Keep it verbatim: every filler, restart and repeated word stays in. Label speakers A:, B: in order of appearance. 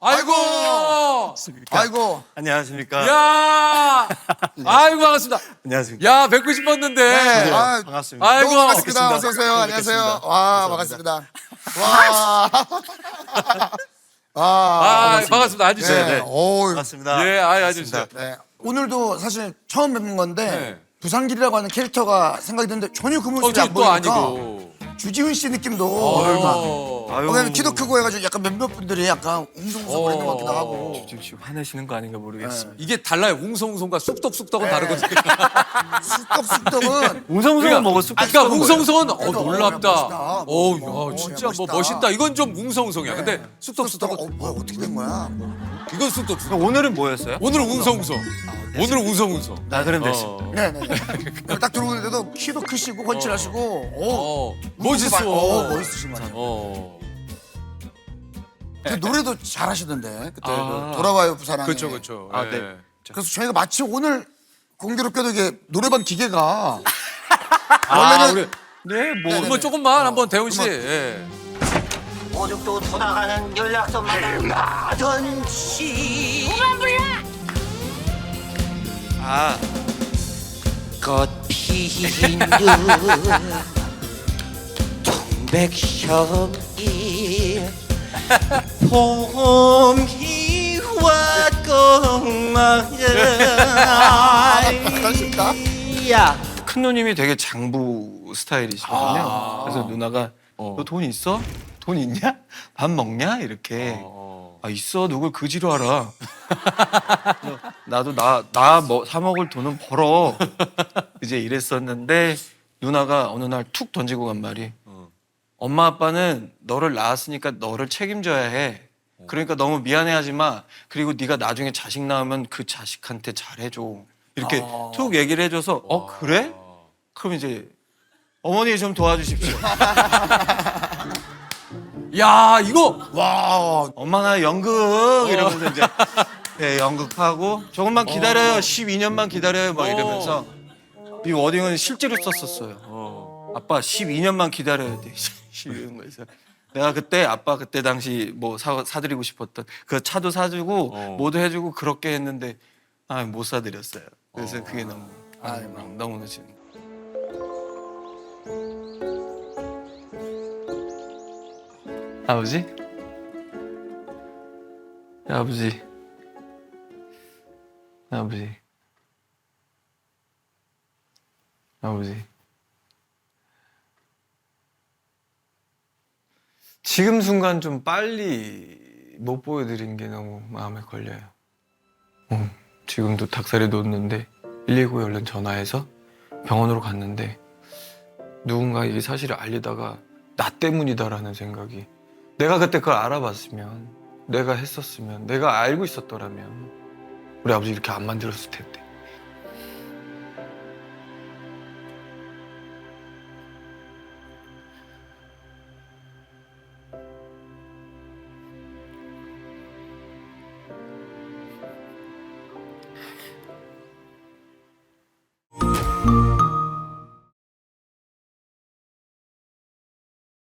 A: 아이고.
B: 아이고.
C: 안녕하십니까.
A: 야. 아이고 반갑습니다.
C: 안녕하십니까.
A: 야 뵙고 싶었는데.
B: 네. 아,
C: 반갑습니다.
A: 아이고.
B: 너무 반갑습니다.
C: 뵙겠습니다.
B: 어서 오세요. 안녕하세요.
C: 뵙겠습니다.
B: 와, 반갑습니다. 와.
A: 아 반갑습니다. 앉으세요.
B: 네.
A: 네.
B: 오.
C: 반갑습니다.
A: 예, 아이 앉으세요.
B: 네. 오늘도 사실 처음 뵙는 건데
A: 네.
B: 부산길이라고 하는 캐릭터가 생각이 드는데 전혀 그
A: 어,
B: 모습이
A: 저
B: 안
A: 또
B: 보이니까
A: 아니고.
B: 주지훈 씨 느낌도
A: 어.
C: 아유.
B: 왜냐면 키도 크고 해가지고 약간 몇몇 분들이 약간 웅성웅성거리는 것 같기도 하고.
C: 지금 지금 화내시는 거 아닌가 모르겠습니다.
A: 이게 달라요. 웅성웅성과 쑥덕쑥덕은
B: 네.
A: 다르거든요.
B: 쑥떡쑥떡은
C: 웅성웅성은 먹어 쑥.
A: 아, 그러니까 웅성웅성은 어
B: 그래서,
A: 놀랍다.
B: 어,
A: 어,
B: 멋있다.
A: 야, 진짜
B: 어,
A: 뭐
B: 멋있다.
A: 멋있다. 이건 좀 웅성웅성이야. 근데
B: 네.
A: 쑥덕쑥덕은
B: 어, 뭐야 어떻게 된 거야? 뭐.
A: 이건 쑥덕쑥덕.
C: 오늘은 뭐였어요?
A: 오늘은 웅성웅성. 오늘은 웅성웅성.
C: 나 그럼 됐어.
A: 어.
B: 네네. 딱 들어오는데도 키도 크시고 건칠하시고, 오,
A: 어. 멋있어.
B: 어, 멋있으신 것 같아요.
A: 어.
B: 그 노래도 잘하시던데 그때
C: 아.
B: 그 돌아와요 부산항에.
A: 그렇죠, 그렇죠.
C: 아,
A: 예.
C: 네.
B: 그래서 저희가 마치 오늘 공교롭게도 이게 노래방 기계가
A: 아,
B: 원래는
A: 우리
C: 네, 뭐
B: 네네네.
A: 뭐 조금만 한번 대훈 씨.
B: 음악.
A: 예.
D: 오죽도 돌아가는 연락선마다 얼마든지
C: 아,
D: 꽃 피는 동백향이 봄이 왔건만
B: 반갑습니다.
D: 야
C: 큰 누님이 되게 장부 스타일이시거든요.
A: 아.
C: 그래서 누나가
A: 어.
C: 너 돈 있어? 돈 있냐? 밥 먹냐? 이렇게.
A: 어.
C: 아 있어 누굴 그지로 알아. 그래서 나도 나 나 뭐 사 먹을 돈은 벌어. 이제 이랬었는데 누나가 어느 날 툭 던지고 간 말이 엄마 아빠는 너를 낳았으니까 너를 책임져야 해. 그러니까 너무 미안해하지 마. 그리고 네가 나중에 자식 낳으면 그 자식한테 잘해줘. 이렇게
A: 아.
C: 툭 얘기를 해줘서 어 그래? 그럼 이제 어머니 좀 도와주십시오.
A: 야, 이거
B: 와,
C: 엄마 나 연극 이러면서 이제 네, 연극하고 조금만 기다려요. 십이 년만 기다려요. 막 이러면서 이 워딩은 실제로 썼었어요.
A: 어.
C: 아빠 십이 년만 기다려야 돼. 이런 거에서 내가 그때 아빠 그때 당시 뭐 사, 사드리고 싶었던 그 차도 사주고
A: 어.
C: 뭐도 해주고 그렇게 했는데 아 못 사드렸어요. 그래서
A: 어.
C: 그게 너무 아, 너무 너무 지금 아버지? 아버지 아버지 아버지 지금 순간 좀 빨리 못 보여드린 게 너무 마음에 걸려요. 어, 지금도 닭살이 돋는데 일일구에 얼른 전화해서 병원으로 갔는데 누군가 이 사실을 알리다가 나 때문이다라는 생각이 내가 그때 그걸 알아봤으면 내가 했었으면 내가 알고 있었더라면 우리 아버지 이렇게 안 만들었을 텐데